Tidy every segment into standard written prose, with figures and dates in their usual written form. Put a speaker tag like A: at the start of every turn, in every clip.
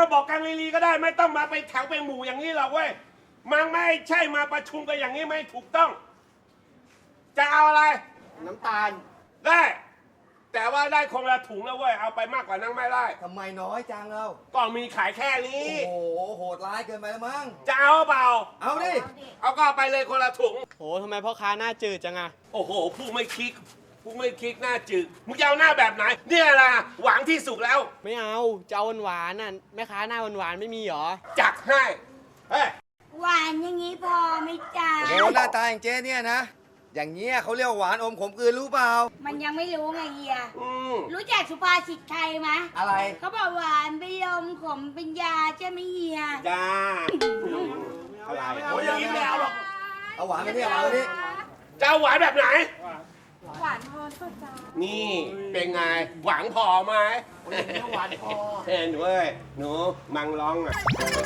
A: มาบอกกันลีๆก็ได้ไม่ต้องมาไปแถวเป็นหมู่อย่างนี้หรอกเว้ยมันไม่ใช่มาประชุมกันอย่างนี้ไม่ถูกต้อง จะเอาอะไร
B: น้ำตาล
A: ได้แต่ว่าได้คงละถุงแล้วเว้ยเอาไปมากกว่านั้นไม่ได้
B: ทำไมน้อยจังเรา
A: ก็มีขายแค่นี้
B: โอ้โหโหดร้ายเกินไปแล้วมั้ง
A: จะเอาเปล่า
B: เอาดิ
A: เอาก็ไปเลยคนละถุง
C: โหทำไมพ่อค้าหน้าจืดจังอะ
A: โอ้โหผู้ไม่คิดหน้าจืดมึงจะเอาหน้าแบบไหนเนี่ยล่ะหวังที่สุดแล้ว
C: ไม่เอาจะเอาหวานๆน่ะแม่ค้าหน้าหวานๆไม่มีหรอ
A: จัดให้เฮ้ย
D: หวานอย่างนี้พอไหมจ๊ะ
B: โอ้หน้าตาอย่างเจ๊เนี่ยนะอย่างเงี้ยเขาเรียกหวานอมขมกลืนรู้เปล่า
D: มันยังไม่รู้ไงเฮียรู้จักสุภาษิตไทยไหม
B: อะไร
D: เขาบอกหวานเป็นลมขมเป็นยาใช่ไหมเฮีย
A: จ้าอะไรโอ้ยอย่างนี้ไม่เอาหรอก
B: เอาหวานไปเนี่ยหวานไปนี่
A: จะเอาหวานแบบไหน
D: หวานพอก็จ้า
A: นี่เป็นไงหวังพอไหม
B: หวานพอ
A: เห็นเว้ยหนูมังร้องอ่ะ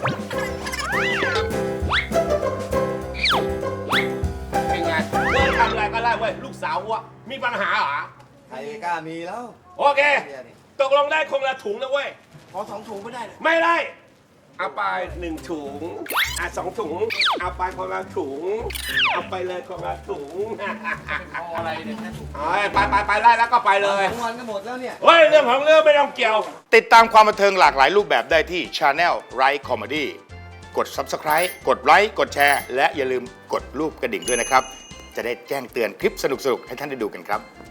A: เป็นไงเลิกทำอะไรก็ได้เว้ยลูกสาววะมีปัญหาเหรอ
B: ใครกล้ามีแล้ว
A: โอเคตกลงได้คงละถุงนะเว้ย
B: ขอ2 ถุงไม่ได้
A: ไม่ได้เอาไป1 ถุง2 ถุงเอาไปคนละถุงเอาไปเลยคนละถุง
B: เอาอะไรเนี่ยแค่ถุง
A: ไปไล่แล้วก็ไปเลย
B: ทั้งวันก็หมดแล้วเนี่ย
A: เฮ้ยเรื่องของเรื่องไม่ต้องเกี่ยว
E: ติดตามความบันเทิงหลากหลายรูปแบบได้ที่ Channel Right Comedy กด Subscribe กดไลค์กดแชร์และอย่าลืมกดรูปกระดิ่งด้วยนะครับจะได้แจ้งเตือนคลิปสนุกๆให้ท่านได้ดูกันครับ